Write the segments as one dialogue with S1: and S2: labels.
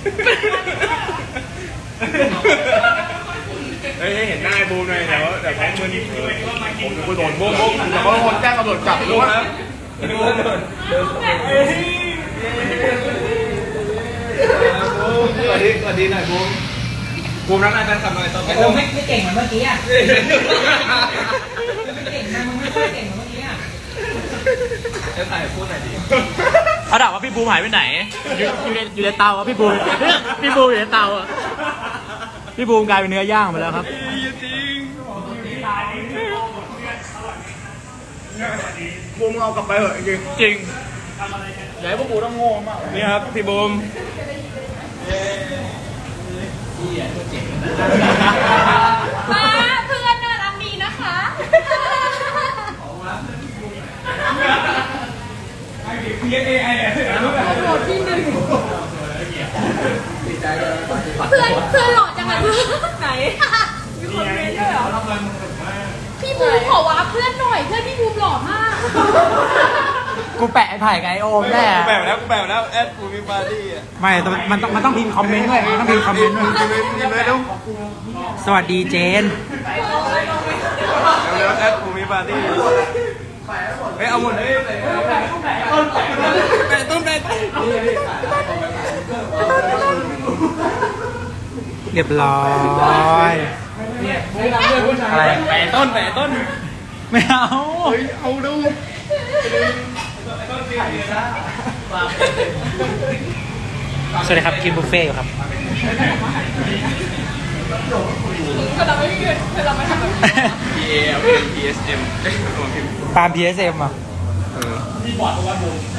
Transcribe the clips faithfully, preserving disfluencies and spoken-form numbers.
S1: เฮ้ยเห็นหน้าไอ้บูมหน่อยเดี๋ยวเดี๋ยวแพ้มือนี้ผมจะไปโดนบูมบูมเดี๋ยวเขาคนแจ้งตำรวจจับรู้ครับบูมสวัสดีสวัสดีหน่อยบูมบูมรักนายแฟนคลับหน่อยต่อไปบูม
S2: ไม่ไม่เก่งเหมือนเมื่อกี้อ่ะไม่เก่งนะมึงไม่ค่อยเก่งเหมือนเมื่อกี้อ่ะ
S1: จะถ่ายพูดหน่อยดิ
S3: เขาถามว่าพี่บูมหายไปไหนอยู่อยู่ในอยู่ในเตาอ่ะพี่บูมพี่บูมอยู่ในเตาอ่ะพี่บูมกลายเป็นเนื้อย่างไปแล้วครับ
S1: จริงบูมเอากลับไปเหอะจริงจริงอย่าให้พวกบูต้องโง่มากนี่ครับพี่บูม
S4: มาเพื่อนน่ารักดีนะคะโหลดที่หนึ่งเพื่อนเพื่อนหล่อจังเลยไหนมีคนเมนด้วยเหรอพี่บูมขอว้าเพื่อนหน่อยเพื่อนพี่บูมหล่อมาก
S2: กูแปะไอ้ไผ่ไงโอมแน่
S1: กูแปะแล้วกูแปะแล้วแอดกูมีปาร์ตี้อ่ะ
S2: ไม่มันต้องมันต้องพิมพ์คอมเมนต์ด้วยมันต้องพิมพ์คอมเมนต์ด้วยสวัสดีเจน
S1: แล้วแอดกูมีปาร์ตี้เฮ้ยเอาหมดเลยแปะต้นแปะ
S2: เรียบร้อยอะไร
S1: แปะต้นแปะต้น
S2: ไม่เอา
S1: เอาดู
S2: สวัสดีครับกินบุฟเฟ่ต์อยู่ครับ
S4: ก็เราไม่ยืนเราไม่ทำแบบนี้
S1: พี เอ เป็น พี เอส เอ็ม
S2: ปาล์ม พี เอส เอ็ม อ่ะ
S4: เขาบอกว่า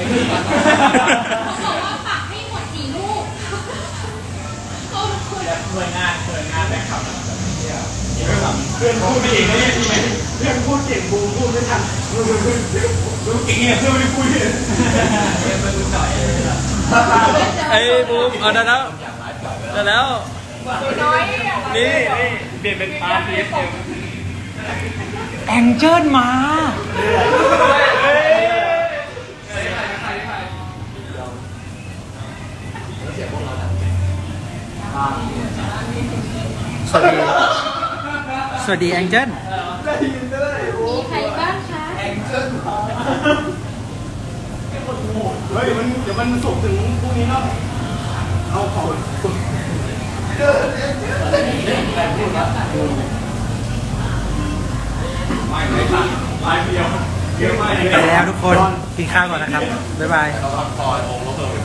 S4: ฝากให้หมดสี่ลูกเขาคุย
S1: หน่วยงานหน่วยงานแบงค์ขับเพื่อนพูดเก่งนะเนี่ยเพื่อนพูดเก่งบูมพูดไม่ทันดูเก่งเนี่ยเพื่อนไม่ได้พูดเลยไอ้บูมเอาได้แล้วได้แล้ว
S4: น้อย
S1: นี่นี่เปลี่ยนเป็นปาร์ตี้เอ็ม
S2: แองเจิลมาสวัสดีสวัสดีแองเจิล
S4: มีใครบ้างคะ
S1: เฮ้ยมันเดี๋ยวมันส่งถึงพรุ่งนี้เนาะเอาของไม่ไม่ทันไม่เดียวเยอะมาก
S2: ไปแล้วทุกคนกินข้าวก่อนนะครับบ๊ายบาย